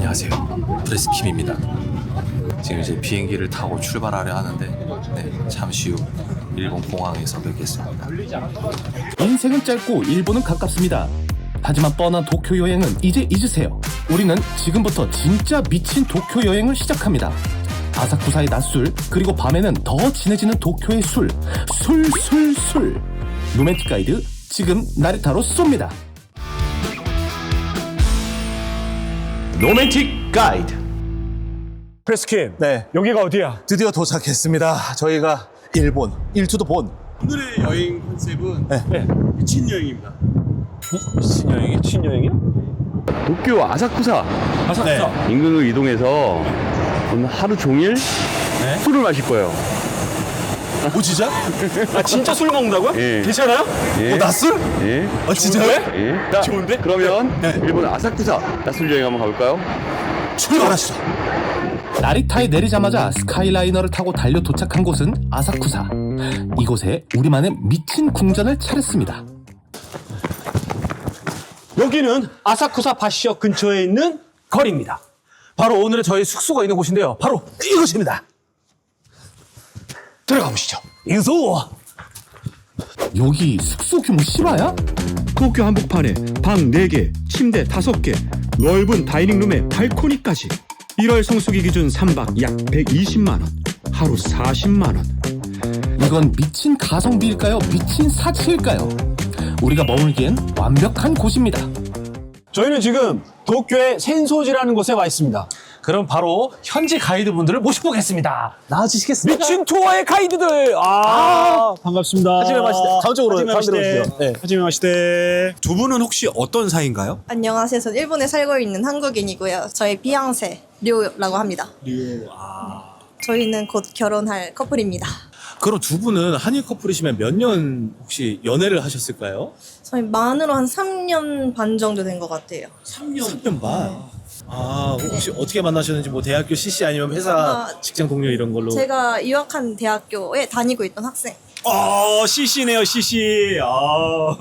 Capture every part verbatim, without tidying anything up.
안녕하세요, 프레스킴입니다. 지금 이제 비행기를 타고 출발하려 하는데 네, 잠시 후 일본 공항에서 뵙겠습니다. 인생은 짧고 일본은 가깝습니다. 하지만 뻔한 도쿄 여행은 이제 잊으세요. 우리는 지금부터 진짜 미친 도쿄 여행을 시작합니다. 아사쿠사의 낮술, 그리고 밤에는 더 진해지는 도쿄의 술, 술, 술, 술. 로맨틱 가이드 지금 나리타로 쏩니다. 로맨틱 가이드. 프레스킴, 네, 여기가 어디야? 드디어 도착했습니다. 저희가 일본, 일투도 본. 오늘의 여행 컨셉은 네. 미친 여행입니다. 미친 여행이? 미친 여행이야? 도쿄 아사쿠사 아사쿠사. 인근으로 이동해서 오늘 하루 종일 술을 마실 거예요. 오, 진짜? 아 진짜 술 먹는다고요? 예. 괜찮아요? 예. 오, 낮술? 예. 아, 진짜요? 예. 자, 좋은데? 그러면 일본 아사쿠사 낮술 여행 한번 가볼까요? 출발하시죠. 나리타에 내리자마자 스카이라이너를 타고 달려 도착한 곳은 아사쿠사. 이곳에 우리만의 미친 궁전을 차렸습니다. 여기는 아사쿠사 바시역 근처에 있는 거리입니다. 바로 오늘의 저희 숙소가 있는 곳인데요. 바로 이곳입니다. 들어가 보시죠. 이소. 여기 숙소 규모 실화야? 도쿄 한복판에 방 네 개, 침대 다섯 개, 넓은 다이닝룸에 발코니까지. 일월 성수기 기준 삼 박 약 백이십만 원, 하루 사십만 원. 이건 미친 가성비일까요? 미친 사치일까요? 우리가 머물기엔 완벽한 곳입니다. 저희는 지금 도쿄의 센소지라는 곳에 와 있습니다. 그럼 바로 현지 가이드분들을 모셔보겠습니다. 나와주시겠습니까? 미친 투어의 가이드들! 아, 반갑습니다. 하지메 마시대. 다음 쪽으로, 하지메 다음 데로 마시대. 오시죠. 네. 하지메 마시대. 두 분은 혹시 어떤 사이인가요? 안녕하세요. 저는 일본에 살고 있는 한국인이고요. 저희 비앙세 류라고 합니다. 류. 아. 저희는 곧 결혼할 커플입니다. 그럼 두 분은 한일 커플이시면 몇 년 혹시 연애를 하셨을까요? 저희 만으로 한 삼 년 반 정도 된 것 같아요. 삼 년. 삼 년 반? 아, 혹시 어떻게 만나셨는지 뭐 대학교 씨씨 아니면 회사 아, 직장 동료 이런 걸로? 제가 유학한 대학교에 다니고 있던 학생. 어, 씨씨네요, 씨씨. 아.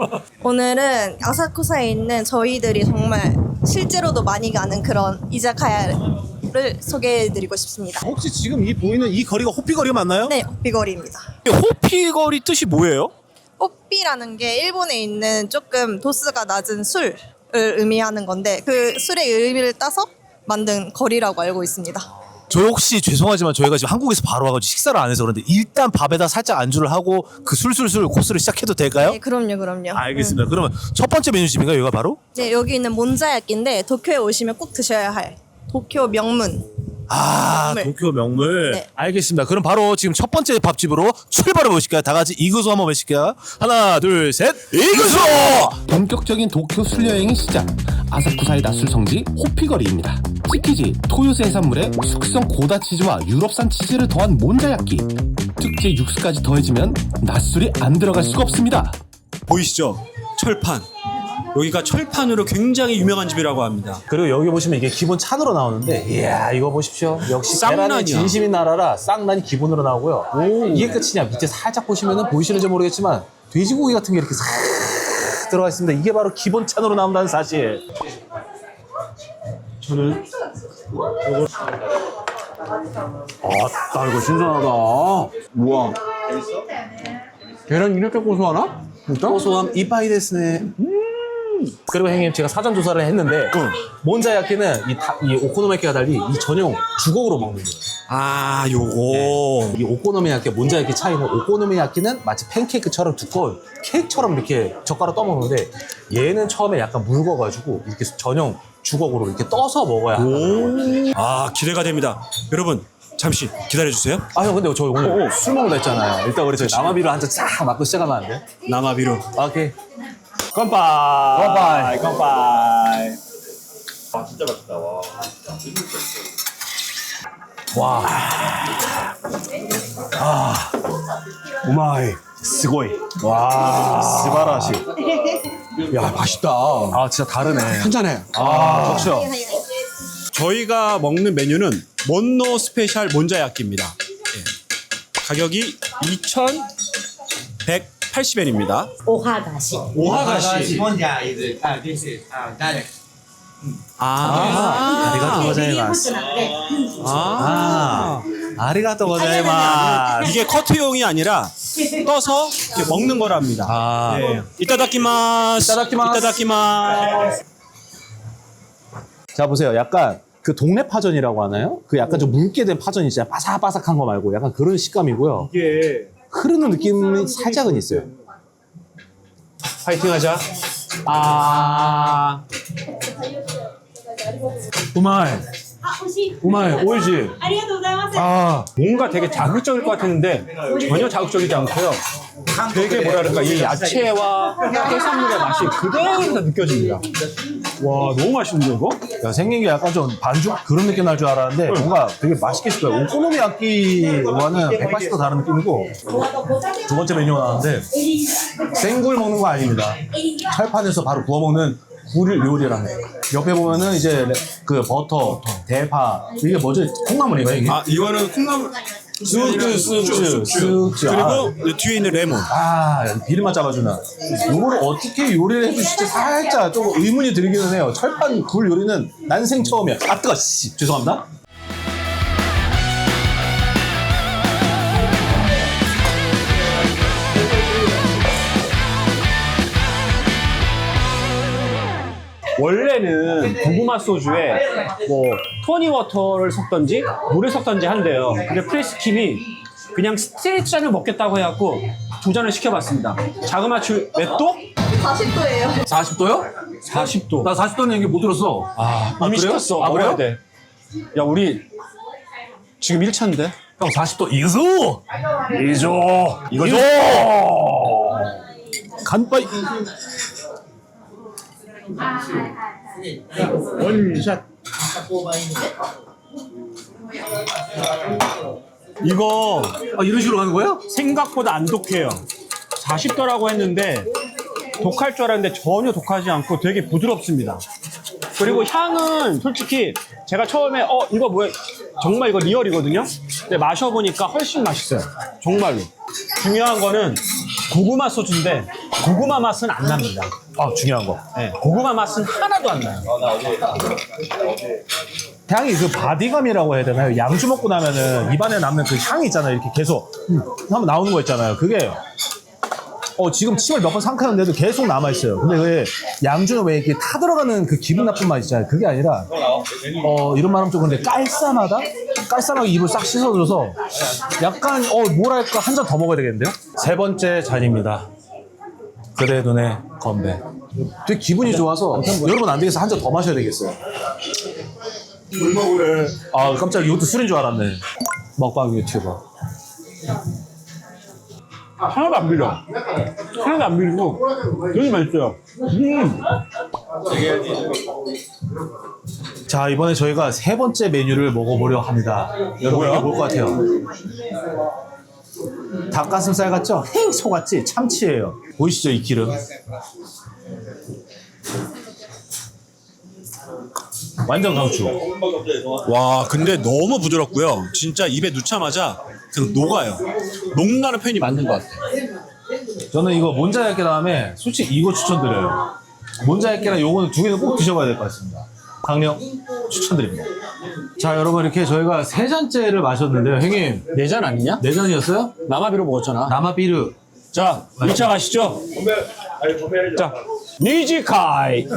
오늘은 아사쿠사에 있는 저희들이 정말 실제로도 많이 가는 그런 이자카야를 소개해드리고 싶습니다. 혹시 지금 이 보이는 이 거리가 호피거리 맞나요? 네, 호피거리입니다. 호피거리 뜻이 뭐예요? 호피라는 게 일본에 있는 조금 도수가 낮은 술을 의미하는 건데 그 술의 의미를 따서 만든 거리라고 알고 있습니다. 저 혹시 죄송하지만 저희가 지금 한국에서 바로 와가지고 식사를 안 해서 그런데 일단 밥에다 살짝 안주를 하고 그 술술술 코스를 시작해도 될까요? 네, 그럼요, 그럼요. 알겠습니다. 그러면 첫 번째 메뉴집인가요, 여기가 바로? 네, 여기 있는 몬자야끼인데 도쿄에 오시면 꼭 드셔야 할 도쿄 명문. 아, 명물. 도쿄 명물. 네. 알겠습니다. 그럼 바로 지금 첫 번째 밥집으로 출발해 보실까요? 다 같이 이구소 한번 외칠게요. 하나, 둘, 셋, 이구소! 본격적인 도쿄 술 여행의 시작. 아사쿠사의 낮술 성지 호피거리입니다. 치키지, 토요스 해산물에 숙성 고다 치즈와 유럽산 치즈를 더한 몬자야끼. 특제 육수까지 더해지면 낮술이 안 들어갈 수가 없습니다. 보이시죠? 철판. 여기가 철판으로 굉장히 유명한 집이라고 합니다. 그리고 여기 보시면 이게 기본 찬으로 나오는데, 이야, 이거 보십시오. 역시 쌍난이야. 계란의 진심인 나라라 쌍난이 기본으로 나오고요. 이게 끝이냐? 밑에 살짝 보시면은 보이시는지 모르겠지만 돼지고기 같은 게 이렇게 싹 들어가 있습니다. 이게 바로 기본 찬으로 나온다는 사실. 저는 아따, 이거 신선하다. 우와. 계란 이렇게 고소하나? 진짜? 고소함 이빠이 데스네. 그리고 형님, 제가 사전 조사를 했는데 몬자야끼는 이, 다, 이 오코노미야끼가 달리 이 전용 주걱으로 먹는 거예요. 아, 요거. 이 오코노미야끼, 몬자야끼 차이는 오코노미야끼는 마치 팬케이크처럼 두꺼운 케이크처럼 이렇게 젓가락 떠먹는데 얘는 처음에 약간 묽어가지고 이렇게 전용 주걱으로 이렇게 떠서 먹어야 한다. 아, 기대가 됩니다. 여러분, 잠시 기다려주세요. 아, 형, 근데 저 오늘 술 먹는다 했잖아요. 일단 우리 저희 남아비로 한 잔 쫙 맞고 시작하면 안 돼? 남아비로. 오케이. 깜빡. 깜빡. 깜빡. 와. 아. 우마이. 스고이. 와. 스바라시. 야, 맛있다. 아, 진짜 다르네. 한잔해. 아, 좋죠. 저희가 먹는 메뉴는 몬노 스페셜 몬자야끼입니다. 예. 가격이 이천백팔십 엔입니다. 오하가시. 오하가시. 혼자 is uh, this is uh, direct. 아, 아리가또 고자이마스. 아, 아리가또 고자이마스. 이게 커트용이 아니라 떠서 이렇게 먹는 거랍니다. 아. 네. 이따다키마스. 이따다키마스. 이따다키마스. 자 보세요. 약간 그 동네 파전이라고 하나요? 그 약간 좀 묽게 된 파전이 진짜 바삭바삭한 거 말고 약간 그런 식감이고요. 이게 흐르는 느낌이 살짝은 있어요. 파이팅 하자. 아. 우마이. 우마이. 오이지. 아, 뭔가 되게 자극적일 것 같았는데 전혀 자극적이지 않고요. 되게 뭐랄까 이 야채와 해산물의 맛이 그대로 느껴집니다. 와, 너무 맛있는데 이거? 야, 생긴 게 약간 좀 반죽 그런 느낌 날 줄 알았는데 뭔가 되게 맛있게 싶어요. 오코노미야끼와는 백팔십 도 다른 느낌이고 두 번째 메뉴가 나왔는데 생굴 먹는 거 아닙니다. 철판에서 바로 구워 먹는 굴 요리랍니다. 옆에 보면은 이제 그 버터, 대파 이게 뭐죠? 콩나물인가요 이게? 아, 이거는 콩나물. 쑥주, 쑥주, 쑥주. 그리고 뒤에 있는 레몬. 아, 비름만 잡아주나. 이거를 어떻게 요리를 해주실지 살짝 좀 의문이 들기는 해요. 철판 굴 요리는 난생 처음이야. 아, 뜨거, 씨. 죄송합니다. 원래는 고구마 소주에 뭐 토니워터를 섞던지 물을 섞던지 한대요. 근데 프레스킴이 그냥 스트레이트 잔을 먹겠다고 해갖고 두 잔을 시켜봤습니다. 자그마치 몇 도? 사십 도예요. 사십 도요? 사십 도. 나 사십 도는 얘기 못 들었어. 아, 이미 그래요? 시켰어. 아, 먹어야 그래요? 돼. 야, 우리 지금 일 차인데? 형, 사십 도 이거죠? 이거죠? 이거죠? 간빠이. 원샷. 이거 아, 이런 식으로 가는 거예요? 생각보다 안 독해요. 사십 도라고 했는데 독할 줄 알았는데 전혀 독하지 않고 되게 부드럽습니다. 그리고 향은 솔직히 제가 처음에 어 이거 뭐야 정말 이거 리얼이거든요. 근데 마셔보니까 훨씬 맛있어요. 정말로. 중요한 거는 고구마 소주인데 고구마 맛은 안 납니다. 아, 중요한 거. 네, 고구마 맛은 하나도 안 나요. 향이 그 바디감이라고 해야 되나요? 양주 먹고 나면은 입안에 남는 그 향이 있잖아요. 이렇게 계속 음, 한번 나오는 거 있잖아요. 그게 어 지금 침을 몇 번 삼켰는데도 계속 남아있어요. 근데 왜 양주는 왜 이렇게 타들어가는 그 기분 나쁜 맛 있잖아요. 그게 아니라 어 이런 말하면 좀 근데 깔쌈하다? 깔쌈하게 입을 싹 씻어줘서 약간 어 뭐랄까 한 잔 더 먹어야 되겠는데요? 세 번째 잔입니다. 그대 눈에 건배. 되게 기분이 좋아서 여러분 안 되겠어 한 잔 더 마셔야 되겠어요. 물 먹으래. 아 깜짝이야 이것도 술인 줄 알았네. 먹방 유튜버. 하나도 안 비려. 하나도 안 비리고 되게 맛있어요. 음. 자 이번에 저희가 세 번째 메뉴를 먹어보려 합니다. 여러분 이게 뭘 것 같아요? 닭가슴살 같죠? 행 소같지? 참치예요. 보이시죠 이 기름? 완전 강추. 와, 근데 너무 부드럽고요. 진짜 입에 넣자마자 그냥 녹아요. 녹는다는 표현이 맞는 것 같아요. 저는 이거 몬자야끼 다음에 솔직히 이거 추천드려요. 몬자야끼랑 요거는 두 개는 꼭 드셔봐야 될 것 같습니다. 강력 추천드립니다. 자 여러분 이렇게 저희가 세 잔째를 마셨는데요. 형님 네 잔 아니냐? 네 잔이었어요? 남아비로 먹었잖아. 나마비르. 자, 일 차 가시죠. 자, 니지카이.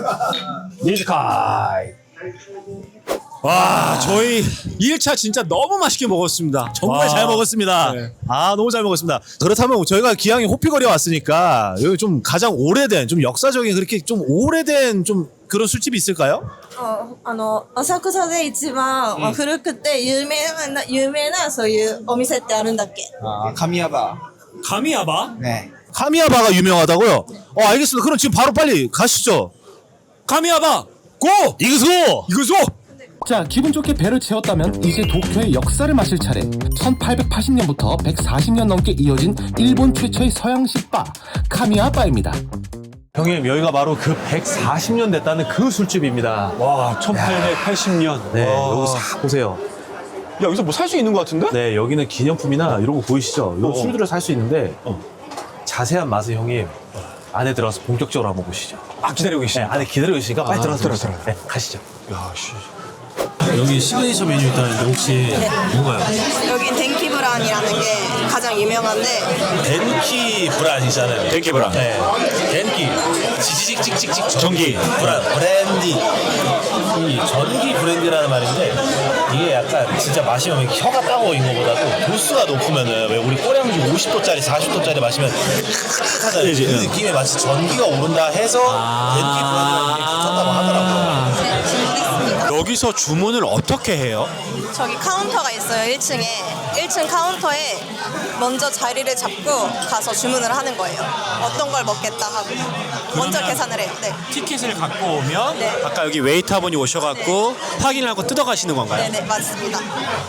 니지카이. 아. 와, 저희 일 차 진짜 너무 맛있게 먹었습니다. 정말 와. 잘 먹었습니다. 네. 아 너무 잘 먹었습니다. 그렇다면 저희가 기왕에 호피거리에 왔으니까 여기 좀 가장 오래된 좀 역사적인 그렇게 좀 오래된 좀 그런 술집이 있을까요? ああの浅草で一番、まあ古くて有名な有名なそういうお店ってあるんだっけ？ 아, 카미야바. 가미야바? 네. 카미야바가 유명하다고요? 어 알겠습니다. 그럼 지금 바로 빨리 가시죠. 가미야바! 고! 이그소! 이거죠? 자, 기분 좋게 배를 채웠다면 이제 도쿄의 역사를 마실 차례. 천팔백팔십 년부터 백사십 년 넘게 이어진 일본 최초의 서양식 바 카미야바입니다. 형님 여기가 바로 그 백사십 년 됐다는 그 술집입니다. 와, 천팔백팔십 년. 네 와. 여기 싹 보세요. 야, 여기서 뭐 살 수 있는 것 같은데? 네 여기는 기념품이나 이런 거 보이시죠? 이런 어. 술들을 살 수 있는데 자세한 맛은 형님 안에 들어가서 본격적으로 한번 보시죠. 아, 기다리고 네, 계시네. 안에 기다리고 있으니까 빨리 아, 들어가서 들어, 보시죠. 들어. 네, 가시죠. 야, 씨. 여기 시그니처 메뉴 있다는데 혹시 뭔가요? 여긴 덴키브란이라는 게 가장 유명한데 덴키 브란이잖아요. 덴키 브란. 네. 덴키. 지지직직직직 전기. 브란. 브랜디. 이 전기 브랜디라는 말인데 이게 약간 진짜 마시면 혀가 따가워인 것보다도 도수가 높으면은 왜 우리 꼬량주 오십 도짜리 사십 도짜리 마시면 하잖아요. 그 느낌에 마치 전기가 오른다 해서 덴키 브란이라는 게 붙었다고 하더라고요. 여기서 주문을 어떻게 해요? 저기 카운터가 있어요. 일 층에. 일 층 카운터에 먼저 자리를 잡고 가서 주문을 하는 거예요. 어떤 걸 먹겠다 하고 먼저 계산을 해요. 네. 티켓을 갖고 오면 네. 아까 여기 웨이터분이 오셔갖고 확인을 하고 뜯어가시는 건가요? 네네 맞습니다.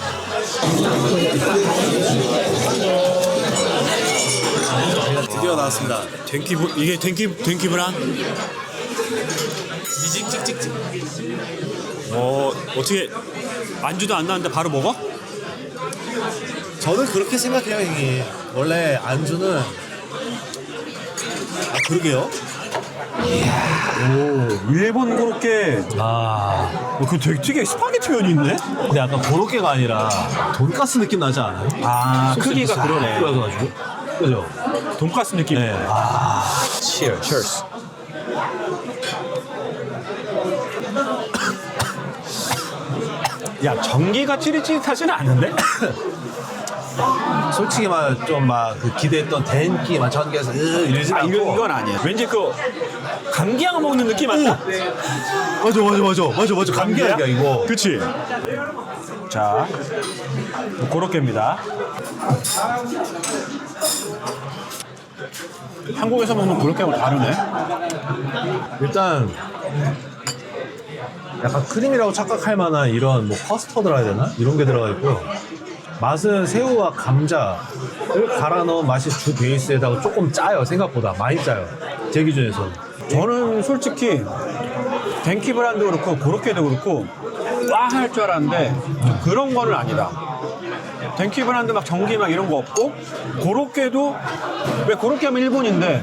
드디어 나왔습니다. 덴키 브- 이게 덴키 덴키 브란? 지직직직직. 어 어떻게 안주도 안 나왔는데 바로 먹어? 저는 그렇게 생각해요, 형님. 원래 안주는 아 그러게요. 오, 일본 고로케. 아 어, 그 되게 특이해. 스파게티 면이 있네? 근데 약간 고로케가 아니라 돈가스 느낌 나지 않아요? 아, 크기가 그러네. 그래가지고 그죠? 돈가스 느낌. 네. 아 Cheers. Cheers. 야, 전기가 찌릿찌릿하지는 않은데? 솔직히 막 좀 막 그 기대했던 덴키 막 전기에서 으 이러지 아, 않고 이건, 이건 아니야. 왠지 그 감기약 먹는 느낌 아니야? 맞아 맞아 맞아 맞아 맞아 감기약이야 이거. 그치? 자, 고로케입니다. 한국에서 먹는 고로케하고 다르네. 일단 약간 크림이라고 착각할 만한 이런 뭐 커스터드라 해야 되나? 이런 게 들어가 있고요. 맛은 새우와 감자를 갈아 넣은 맛이 주 베이스에다가 조금 짜요. 생각보다 많이 짜요. 제 기준에서. 저는 솔직히 덴키 브란도 그렇고 고로케도 그렇고 와 할 줄 알았는데 그런 거는 아니다. 덴키 브란도 막 전기 막 이런 거 없고 고로케도 왜 고로케 하면 일본인데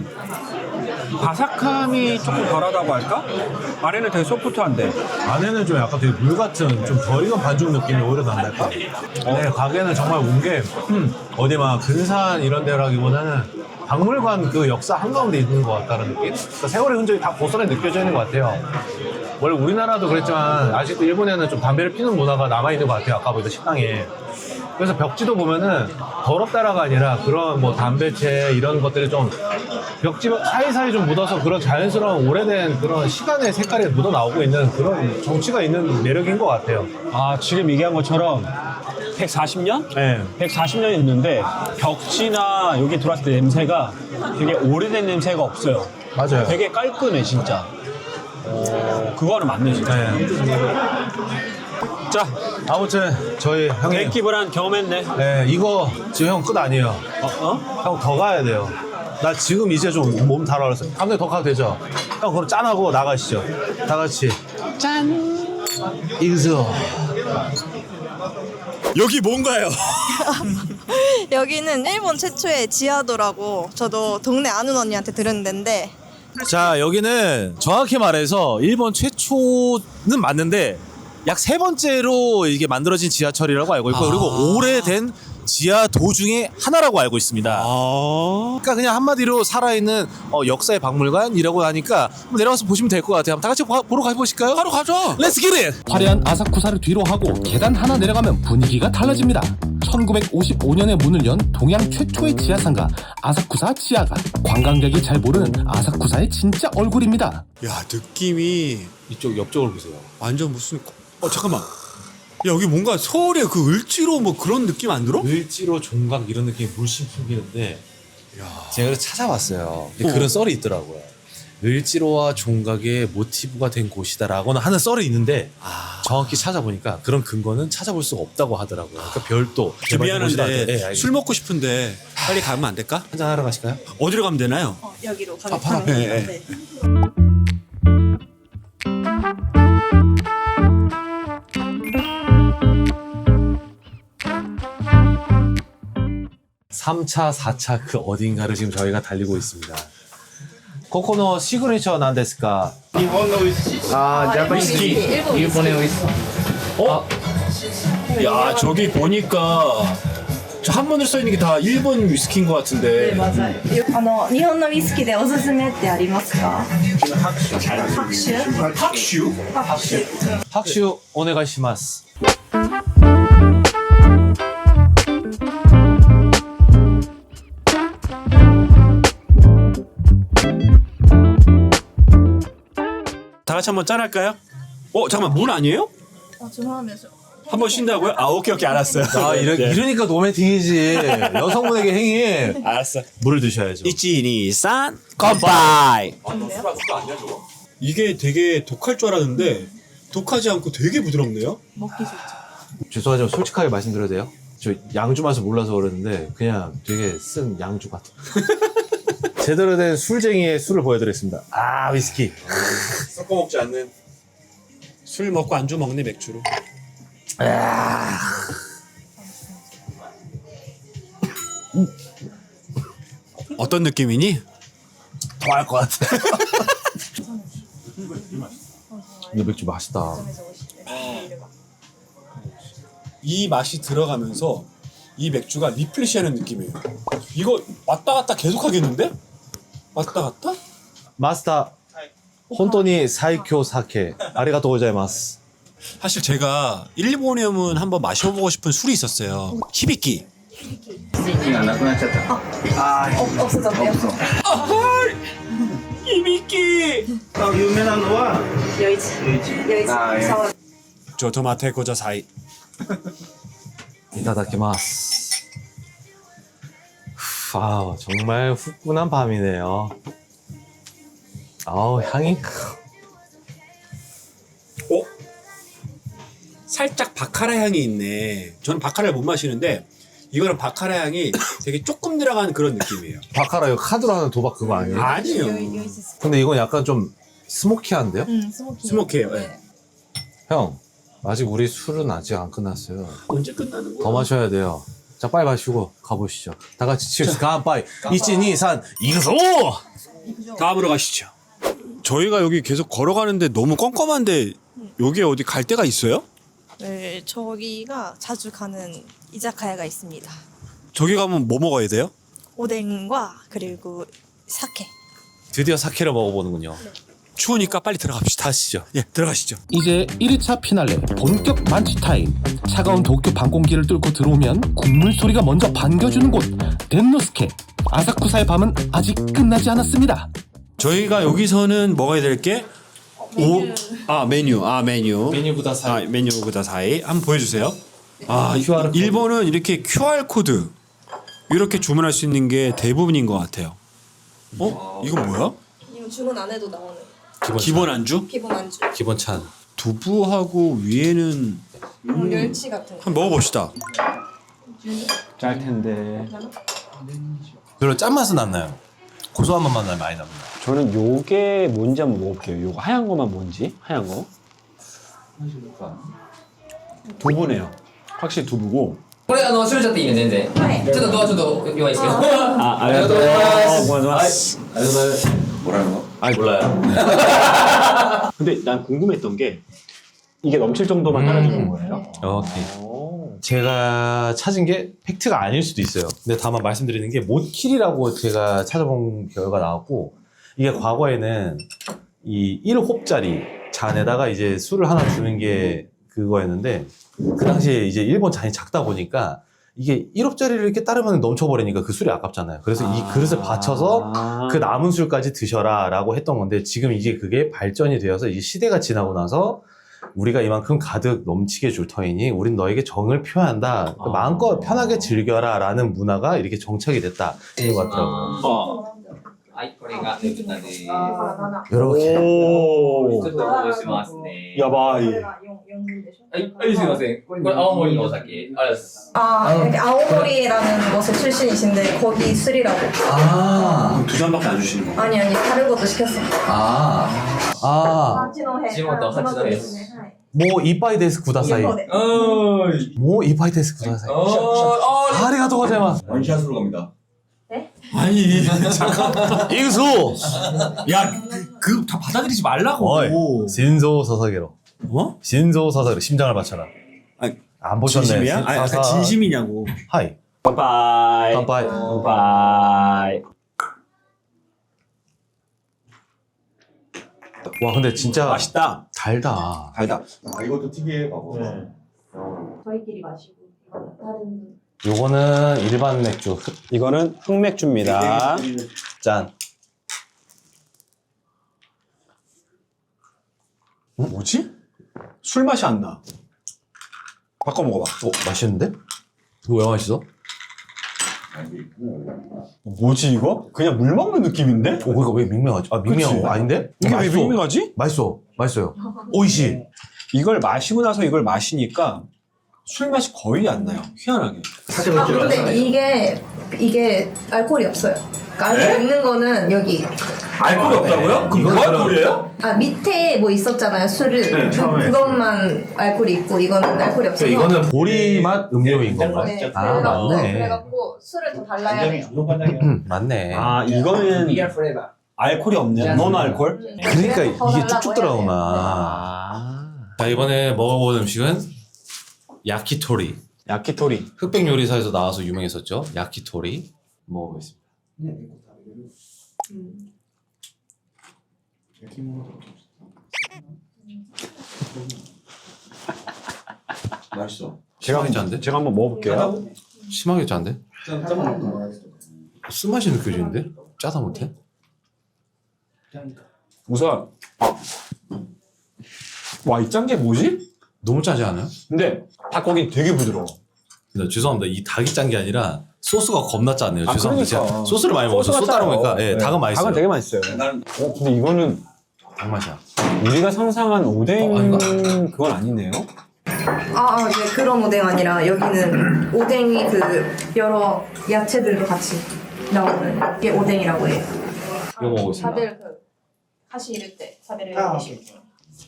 바삭함이 조금 덜하다고 할까? 안에는 되게 소프트한데 안에는 좀 약간 되게 물 같은 좀 덜 익은 반죽 느낌이 오히려 난달까? 네, 가게는 정말 온 게 어디 막 근산 이런 데라기보다는 박물관 그 역사 한가운데 있는 것 같다는 느낌? 그러니까 세월의 흔적이 다 고스란히 느껴져 있는 것 같아요. 원래 우리나라도 그랬지만 아직도 일본에는 좀 담배를 피는 문화가 남아있는 것 같아요. 아까 보던 식당에. 그래서 벽지도 보면은 더럽다라가 아니라 그런 뭐 담배채 이런 것들이 좀 벽지 사이사이 좀 묻어서 그런 자연스러운 오래된 그런 시간의 색깔이 묻어 나오고 있는 그런 정치가 있는 매력인 것 같아요. 아 지금 얘기한 것처럼 백사십 년? 네. 백사십 년이 됐는데 벽지나 여기 들어왔을 때 냄새가 되게 오래된 냄새가 없어요. 맞아요. 되게 깔끔해 진짜. 어, 그거는 맞네 진짜. 네. 자, 아무튼 저희 형님 덴키 브란 경험했네. 네, 이거 지금 형 끝 아니에요. 어? 어? 형 더 가야 돼요. 나 지금 이제 좀 몸 달아올랐어. 감독님 더 가도 되죠? 형 그럼 짠하고 나가시죠. 다 같이. 짠. 이그스. 여기 뭔가요? 여기는 일본 최초의 지하도라고 저도 동네 아는 언니한테 들은 데인데 자, 여기는 정확히 말해서 일본 최초는 맞는데 약 세 번째로 이게 만들어진 지하철이라고 알고 있고, 그리고 오래된 지하도 중에 하나라고 알고 있습니다. 그러니까 그냥 한마디로 살아있는 어, 역사의 박물관이라고 하니까 한번 내려가서 보시면 될 것 같아요. 한번 다 같이 보, 보러 가보실까요? 바로 가죠. 렛츠 기릿! 화려한 아사쿠사를 뒤로 하고 계단 하나 내려가면 분위기가 달라집니다. 천구백오십오 년에 문을 연 동양 최초의 지하상가 아사쿠사 지하관. 관광객이 잘 모르는 아사쿠사의 진짜 얼굴입니다. 야 느낌이 이쪽 옆쪽을 보세요. 완전 무슨 어 잠깐만. 야 여기 뭔가 서울의 그 을지로 뭐 그런 느낌 안 들어? 을지로 종각 이런 느낌이 물씬 풍기는데 제가 그래서 찾아봤어요. 근데 어. 그런 썰이 있더라고요. 을지로와 종각의 모티브가 된 곳이다라고는 하는 썰이 있는데 정확히 찾아보니까 그런 근거는 찾아볼 수가 없다고 하더라고요. 그러니까 별도 저 미안한데 네, 알겠습니다. 술 먹고 싶은데 빨리 가면 안 될까? 한잔 하러 가실까요? 어디로 가면 되나요? 어, 여기로 가면 바로 가면 앞에. 돼요. 네. 삼 차, 사 차 그 어딘가를 지금 저희가 달리고 있습니다. 코코노 시그니처 난데스까? 아, 일본 위스키. 일본 위스키. 어? 야, 저기 보니까 저 한문을 써 있는 게 다 일본 위스키인 것 같은데. あの日本のウイスキーでおすすめってありますか？拍手。 학슈? 학슈 오네가시마스. 다 같이 한번 짠할까요? 어, 잠깐만, 물 아니에요? 아, 죄송합니다. 한번 쉰다고요? 아, 오케이, 오케이, 알았어요. 아 이러, 네. 이러니까 노매팅이지. 여성분에게 행위. 알았어. 물을 드셔야죠. 이치니산 컴바이. 이게 되게 독할 줄 알았는데 독하지 않고 되게 부드럽네요. 먹기 좋죠. 죄송하지만 솔직하게 말씀드려도 돼요? 저 양주 맛을 몰라서 그러는데 그냥 되게 쓴 양주 같아. 제대로 된 술쟁이의 술을 보여드리겠습니다. 아 위스키. 섞어 먹지 않는. 술 먹고 안주 먹네 맥주로. 어떤 느낌이니? 더 할 것 같아. 이 맥주 맛있다. 이 맛이 들어가면서 이 맥주가 리플레시하는 느낌이에요. 이거 왔다 갔다 계속 하겠는데? 왔다 갔다? 마스터 혼돈이 사이쿄 사케 아리가또 고자이마스. 사실 제가 일본에 오면 한번 마셔보고 싶은 술이 있었어요. 히비키. 없어졌대요. 히비키. 여이치. 여이치. 사와. 저 토마테 고자 사이. 이타다키마스. 아 정말 후끈한 밤이네요. 아우 향이. 어? 살짝 바카라 향이 있네. 저는 바카라를 못 마시는데 이거는 바카라 향이 되게 조금 들어간 그런 느낌이에요. 바카라 이거 카드로 하는 도박 그거 아니에요? 아니에요. 근데 이건 약간 좀 스모키한데요? 응, 스모키. 스모키예요. 네. 형 아직 우리 술은 아직 안 끝났어요. 언제 끝나는 거야? 더 마셔야 돼요. 자 빨리 마시고 가보시죠. 다 같이 칠스 간파이. 이치니산 이그소. 다음으로 가시죠. 저희가 여기 계속 걸어가는데 너무 껌껌한데 여기 어디 갈 데가 있어요? 네, 저기가 자주 가는 이자카야가 있습니다. 저기 가면 뭐 먹어야 돼요? 오뎅과 그리고 사케. 드디어 사케를 먹어보는군요. 추우니까 빨리 들어갑시다. 가시죠. 예, 들어가시죠. 이제 일 위차 피날레 본격 만취 타임. 차가운 도쿄 방공기를 뚫고 들어오면 국물 소리가 먼저 반겨주는 곳 덴노스케. 아사쿠사의 밤은 아직 끝나지 않았습니다. 저희가 여기서는 먹어야 될 게 오, 아 메뉴, 아 메뉴, 메뉴보다 사이. 아 메뉴보다 사이. 한번 보여주세요. 아 일본은 이렇게 큐알 코드 이렇게 주문할 수 있는 게 대부분인 것 같아요. 어? 이건 뭐야? 이거 주문 안 해도 나오는 기본, 기본 안주? 기본 안주. 기본 찬. 두부하고 위에는 음, 멸치 같은 거. 한번 먹어봅시다. 짤 텐데. 별로 짠맛은 안 나요. 고소한 맛만 나요. 많이 납니다. 저는 요게 뭔지 한번 먹어볼게요. 요거 하얀 거만 뭔지? 하얀 거. 두부네요. 확실히 두부고. これあの閉めちゃっていいね全然。はい。ちょっとドアちょっと弱いですけど。 아, ありがとうございます。 고맙습니다. ありがとうございます。 뭐라는 거? 아니 몰라요. 근데 난 궁금했던 게 이게 넘칠 정도만 따라주는 거예요? 오케이. 제가 찾은 게 팩트가 아닐 수도 있어요. 근데 다만 말씀드리는 게 모킬이라고 제가 찾아본 결과 나왔고 이게 과거에는 이 일 홉짜리 잔에다가 이제 술을 하나 주는 게 그거였는데 그 당시에 이제 일본 잔이 작다 보니까 이게 일 홉짜리를 이렇게 따르면 넘쳐버리니까 그 술이 아깝잖아요. 그래서 이 그릇을 받쳐서 그 남은 술까지 드셔라 라고 했던 건데 지금 이제 그게 발전이 되어서 이제 시대가 지나고 나서 우리가 이만큼 가득 넘치게 줄 터이니 우린 너에게 정을 표한다. 그러니까 마음껏 편하게 즐겨라 라는 문화가 이렇게 정착이 됐다. 이런 것 같더라고요. 어. はい、これがねぶたです。ち 이렇게. おょっと戻しますね。 야바이. はい、はい、すいません。これ青森のお酒。ありがとうございます。 아, 이렇게 아오모리라는 곳의 출신이신데 거기 술이라고. 아, 두 잔밖에 안 주시는 거. 아니 아니 다른 것도 시켰어. 아, 아, 地元八戸です。 뭐 이빠이 데스 구다사이. おーい。 뭐 이빠이 데스 구다사이. おーい。 아리가토 고자이마스. 원샷으로 갑니다. 아니 잠깐만. 잉수. 야, 그 다 받아들이지 말라고. 어이, 진소 서사게로. 뭐? 신조 사사를 심장을 바쳐라. 아니, 안 보셨네. 진심이야? 아니, 아까 진심이냐고. 하이. 바이바이. 깜빠이. 바이바이. 와 근데 진짜 맛있다. 달다. 달다. 저희끼리 마시고 이건 다른 요거는 일반 맥주. 흑- 이거는 흑맥주입니다. 짠. 뭐지? 술 맛이 안 나. 바꿔 먹어봐. 어 맛있는데? 이거 왜 맛있어? 뭐지 이거? 그냥 물 먹는 느낌인데? 어 그러니까 왜 밍밍하지? 아 밍밍한 그치? 거 아닌데? 이게 왜 맛있어. 밍밍하지? 맛있어. 맛있어요. 오이시. 이걸 마시고 나서 이걸 마시니까 술 맛이 거의 안 나요. 희한하게. 아 근데 이게 이게 알코올이 없어요. 그러니까 알코올 있는 거는 여기 알코올이 없다고요? 그럼 뭐 알코올이에요? 아 밑에 뭐 있었잖아요 술을 그, 그것만 알코올이 있고 이거는 알코올이 없어서 이거는 보리 맛 음료인 건가요? 네, 아 그래갖고, 맞네. 그래갖고 술을 더 달라야 돼요. 음, 맞네. 아 이거는 알코올이 없네요. 노 알코올? 그러니까 그래서 더 이게 달라고 쭉쭉 해야 들어가구나. 돼요. 아. 자 이번에 먹어본 음식은 야키토리. 야키토리. 흑백 요리사에서 나와서 유명했었죠. 야키토리 먹어보겠습니다. 맛있어. 심하게 짠데? 제가 한번 먹어볼게요. 심하게 짠데? 쓴맛이 느껴지는데? 짜다 못해? 우선 와 이 짠 게 뭐지? 너무 짜지 않아요? 근데 닭고기 되게 부드러워. 근데 죄송합니다. 이 닭이 짠 게 아니라 소스가 겁나 짜네요. 아, 죄송합니다. 그러니까. 제가 소스를 많이 먹어서 소스가 소 따라 짜요. 보니까 예, 네. 닭은 맛있어요. 닭은 되게 맛있어요. 어, 근데 이거는 닭 맛이야. 우리가 상상한 오뎅 어, 이거- 그건 아니네요. 아, 아, 네, 그런 오뎅 아니라 여기는 오뎅이 그 여러 야채들도 같이 나오는 게 오뎅이라고 해요. 이거 먹어보겠습니다. 다들 그 하시 이럴 때 사배를 드실 때.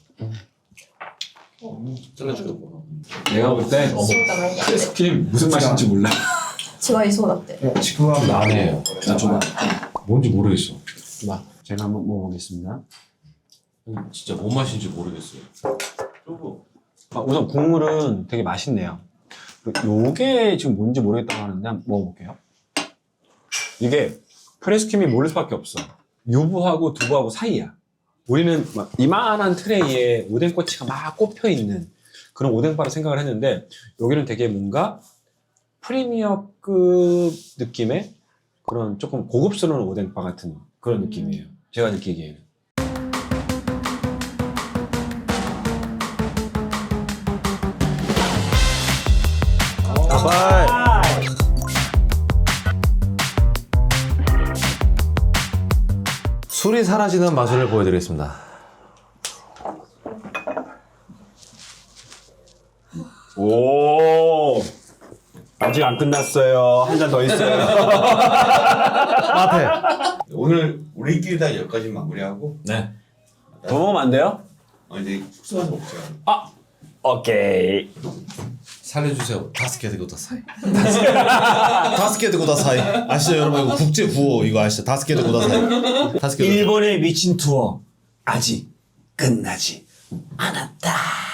잘라주고. 내가 볼 때 크리스크림 무슨 맛인지 몰라. 지와이 소다때. 나네요. 뭔지 모르겠어. 자, 제가 한번 먹어보겠습니다. 진짜 뭔 맛인지 모르겠어요. 아, 우선 국물은 되게 맛있네요. 요게 지금 뭔지 모르겠다고 하는데 한번 먹어볼게요. 이게 프레스킴이 모를 수밖에 없어. 유부하고 두부하고 사이야. 우리는 막 이만한 트레이에 오뎅꼬치가 막 꼽혀있는 그런 오뎅바를 생각을 했는데 여기는 되게 뭔가 프리미어급 느낌의 그런 조금 고급스러운 오뎅바 같은 그런 느낌이에요. 제가 느끼기에는. 가발. 술이 사라지는 마술을 보여드리겠습니다. 오 아직 안 끝났어요. 한 잔 더 있어요. 앞에. 오늘 우리끼리 다 여기까지 마무리하고 네. 더 먹으면 안 돼요? 어, 이제 숙소 가서 먹자. 오케이. 살려주세요. 다섯 개 되고 다 사이. 다섯 개 되고 다 사이. 아시죠 여러분 이거 국제 구호 이거 아시죠? 다섯 개 되고 다 사이. 다섯 개. 일본의 미친 투어 아직 끝나지 않았다.